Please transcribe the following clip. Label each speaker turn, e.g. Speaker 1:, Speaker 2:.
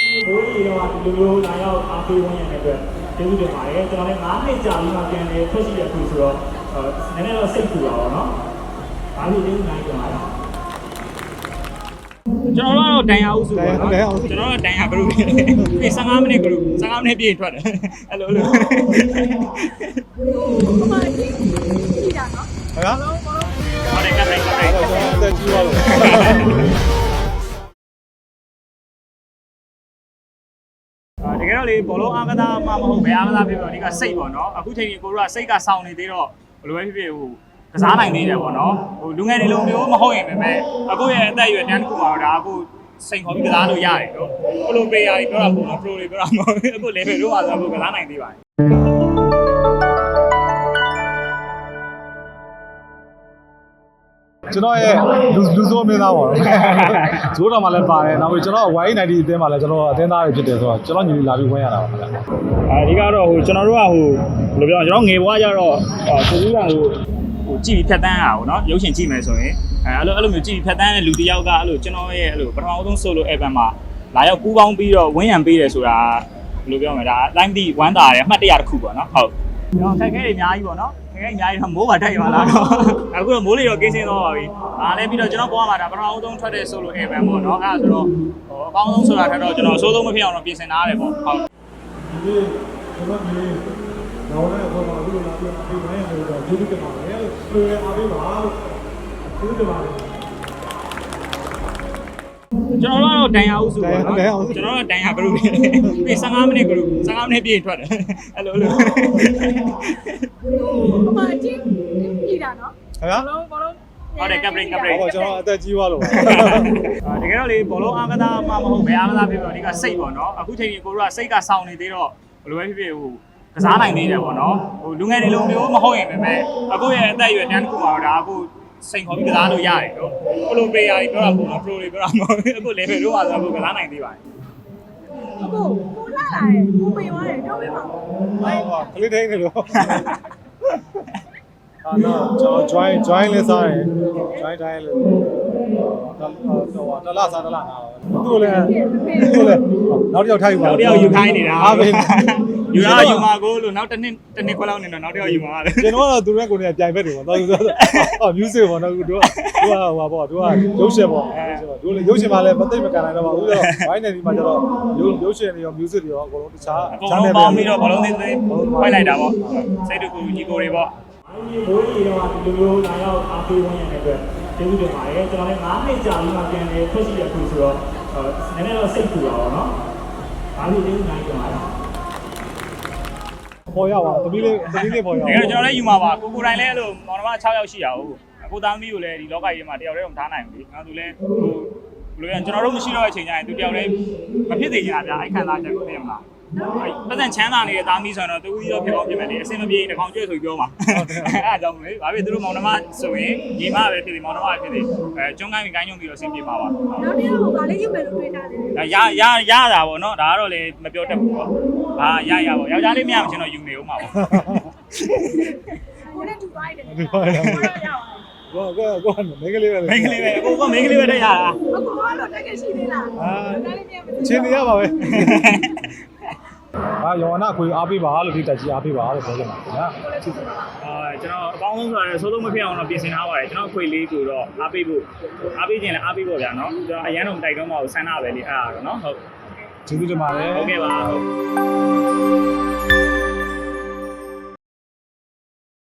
Speaker 1: ဘိုးကြီးတော့ဒီလိုလာရောက်အားပေးဝင်ရတဲ့အတွက်ကျေးဇူးတင်ပါတယ်ကျွန်တော်လည်း9နှစ်ကြာပြီးမှပြန်လေထွက်ရှိရခုဆိုတော့နည်းနည်းတော့စိတ်ပူတာပေါ့နော်ဒါလို့ကျေးဇူးနိုင်ကြပါတယ်ကျွန်တော်တို့ဒန်ယာဦးစုပေါ့နော်ကျွန်တော်တို့ဒန်ယာ group ပြီး15မိနစ် group 15မိနစ်ပြည့်ထွက်တယ်အဲ့လိုလို
Speaker 2: ဟိုမှာကြည့်တာနော်
Speaker 1: ဟုတ်ကဲ့ကပ်လိုက်
Speaker 3: အသက်ကြီးသွားလို့
Speaker 1: တကယ်တော့လေဘောလုံးအားကစားမှမဟုတ်ဘယ်အားကစားဖြစ်ဖြစ်အဓိကစိတ်ပေါ့နော်အခုချိန်ကြီးကိုတို့ကစိတ်ကစောင့်နေသေးတော့ဘယ်လိုပဲဖြစ်ဖြစ်ဟိုကစားနိုင်သေးတယ်ပေါ့နော်ဟိုလူငယ်တွေလိုမျိုးမဟုတ်ရင်ပဲအခုရဲ့အသက်အရွယ်တန်းတစ်ခုမှာတော့ဒါအခုစိတ်ခေါ်ပြီးကစားလို့ရတယ်နော်ပရိုပလေယာတွေပြောတာပုံတော့ပရိုတွေပြောတာမဟုတ်ဘူးအခု level တို့မှာဆိုအခုကစားနိုင်သေးပါတယ်
Speaker 3: ကျွန်တော်ရဲ့လူစိုးမင်းသားပေါ့နော်ဇိုးတော်မှာလည်းပါတယ်နောက်ပြီးကျွန်တော် Y90 အသင်းမှာလည်းကျွန်တော်အသင်းသားတွေဖြစ်တယ်ဆိုတော့ကျွန်တော်ညီလေးလာပြီးဝင်ရတာပါခင်ဗျာ
Speaker 1: အဓိကတော့ဟိုကျွန်တော်တို့ကဟိုဘယ်လိုပြောကျွန်တော်ငယ်ဘွားကြတော့ကိုကြီးကဟိုကြည့်ပြီးဖြတ်တန်းရအောင်နော်ရုပ်ရှင်ကြည့်မယ်ဆိုရင်အဲ့လိုမျိုးကြည့်ပြီးဖြတ်တန်းတဲ့လူတစ်ယောက်ကအဲ့လိုကျွန်တော်ရဲ့အဲ့လိုပထမဆုံး solo album မှာလာရောက်ပူးပေါင်းပြီးတော့ဝင်းရံပေးတယ်ဆိုတာဘယ်လိုပြောမလဲဒါ live ဒီဝမ်းတာတယ်အမှတ်တရတစ်ခုပေါ့နော်ဟုတ်ကျွန်တော်ခက်ခဲတွေအများကြီးပေါ့နော်ခက်ခဲအများကြီးတော့မိုးပါတိုက်ပါလားတော့အခုတော့မိုးလေးတော့ကင်းစင်းသွားပါပြီအားလည်းပြီးတော့ကျွန်တော်ပေါ်မှာဒါပထမဆုံးထွက်တဲ့ solo album ပေါ့နော်အဲ့ဒါဆိုတော့ဟိုအကောင်းဆုံးဆိုတာထက်တော့ကျွန်တော်အဆိုးဆုံးမဖြစ်အောင်တော့ပြင်ဆင်ထားရတယ်ပေါ့ဟုတ်
Speaker 3: ဒီကျွန်တော်ဒီတော့လည်းဘာမှမလုပ်လာပြီးအိမ်မှာနေတော့ဒီလိုကမှာလေဆွေအားပေးပါဒီလိုပါ
Speaker 1: ကျွန်တော်တို့ဒန်ယာဦးစုပေါ့နော်ကျွန်တော်တို့ဒန်ယာ group ပြီး15မိနစ် group 15မိနစ်ပြည့်ထွက်တယ်အဲ့လိုလို
Speaker 2: ဟိုမှာကြည့်တာနော်ဘောလုံး
Speaker 1: ဟုတ်တယ်ကပ်ဘရိတ်
Speaker 3: ဟောကျွန်တော်အသက်ကြီးသွားလို့
Speaker 1: တကယ်တော့လေဘောလုံးအားကစားမှမဟုတ်ဘယ်အားကစားဖြစ်ဖြစ်အဓိကစိတ်ပေါ့နော်အခုချိန်ကြီးကိုတို့ကစိတ်ကစောင့်နေသေးတော့ဘယ်လိုပဲဖြစ်ဖြစ်ဟိုကစားနိုင်သေးတယ်ပေါ့နော်ဟိုလူငယ်တွေလိုမျိုးမဟုတ်ရင်ပဲအခုရဲ့အသက်အရွယ်တန်းတစ်ခုမှာတော့ဒါအခုစိန်ခေါ်ပြီးကစားလို့ရတယ်နော်ပရိုပလေယာတွေပြောတာပုံတော့ pro တွေပြောတာမဟုတ်ဘူးအခု level တို့ပါဆိုတော့ကစားနိုင်သေးပါတယ်
Speaker 2: ကိုလာလာတယ်ကိုပေးသွားတယ်ပြောပေးပါဦး
Speaker 3: ဟာကလေးတိုင်းနေလို့အာနော်ကျွန်တော် join လေးစားတယ် join တိုင်းလို့တလားစားတလားနာသူ့လည်းနောက်တစ်ယောက်ထိုက်ပါ
Speaker 1: နောက်တစ်ယောက်ယူခိုင်းနေတာအားပေးယူမှာကိုလို့နောက်တစ်နှစ်ခွဲလောက်နေတော့နောက်တစ်ယောက်ယူမှာလေ
Speaker 3: ကျွန်တော်ကတော့သူတို့ကကိုယ်နဲ့ပြိုင်ဖက်တွေပေါ့တော်သူဆို music ပေါ့နော်တို့ဟိုပါပေါ့တို့ကရုပ်ရှင်ပေါ့တို့လည်းရုပ်ရှင်မှာလည်းမသိမကန်နိုင်တော့ပါဘူးဆိုတော့ Y90 မှာကျတော့ရုပ်ရှင်တွေရော music တွေရောအကုန်လုံးတခြား
Speaker 1: ပေါင်းပြီးတော့ဘလုံးသေးသေးဖိုက်လိုက်တာပေါ့စိတ်တူကူညီကိုတွေပေါ့ဘိုးကြီးတော့ဒီလိုလာရောက်အားပေးဝင်ရတဲ့အတွက်ကျေးဇူးတင်ပါတယ်ကျွန်တော်လည်း9နှစ်ကြာပြီးမှပြန်လေထွက်ရှိရခုဆိုတော့နည်းနည်းတော့စိတ်ပူတာပေါ့နော်ဒါလို့ကျေးဇူးနိုင်ကြပါတယ်
Speaker 3: ပေါ်ရပါသမီးလေးပေါ်ရပါ
Speaker 1: ကျွန်တော်လည်းယူမှာပါကိုတိုင်းလည်းအဲ့လိုမောင်နှမ6ယောက်ရှိရအောင်အခုသားသမီးကိုလည်းဒီလောကကြီးမှာတယောက်တည်းတော့မထားနိုင်ဘူးလေနောက်သူလည်းဟိုဘယ်လိုလဲကျွန်တော်တို့မရှိတော့တဲ့အချိန်ကျရင်သူတယောက်လည်းမဖြစ်သေးချင်တာဗျအဲ့ခံစားချက်ကိုသိရမလားပတ်စံချမ်းသာနေတဲ့သားမီးဆိုတော့တူကြီးတော့ဖြစ်အောင်ဖြစ်မယ်လေအစင်မပြေတစ်ကောင်ကျွေးဆိုပြောပါအဲ့အကြောင်းလေဘာဖြစ်သူတို့မောင်နှမဆိုရင်ညီမပဲဖြစ်တယ်မောင်နှမပဲဖြစ်တယ်ကျွန်းကိုင်းပြီးကိုင်းညုံပြီးတော့အဆင်ပြေပါပါ
Speaker 2: နောက်တစ်ယောက်ကဘာလေးယူမယ်လို့တွေးထားတယ်
Speaker 1: ရတာပေါ့နော်ဒါကတော့လေမပြောတတ်ဘူးပေါ့ဟာရပေါ့ယောက်ျားလေးမရမချင်းတော့ယူနေဦးမှာပေါ့
Speaker 2: ကိုနဲ့တူသွားတယ်ကိုတော့ရပါတယ်
Speaker 3: ကိုမင်းကလေးပဲ
Speaker 1: အခုကမင်းကလေးပဲတက်ရတာ
Speaker 2: အခုကတော့တက်ကရှိသေးလား
Speaker 3: ချင်းနေရပါပဲယောနာခွေအားပေးပါလို့ဒီတက်ကြီးအားပေးပါလို့ပြောချင်ပါခင်ဗျာ
Speaker 1: ကျွန်တော်အကောင်းဆုံးဆိုရယ်သိုးမဖြစ်အောင်တော့ပြင်ဆင်ထားပါတယ်ကျွန်တော်ခွေလေးကိုတော့အားပေးခြင်းလည်းအားပေးဖို့ဗျာနော်ကျွန်တော်အရန်တော့မတိုက်တော့မှဆန်းတာပဲလေအဲ့ဒါတော့နော်ဟုတ်
Speaker 3: ကျေးဇူးတင်ပါတယ်
Speaker 1: ဟုတ်ကဲ့ပါဟုတ်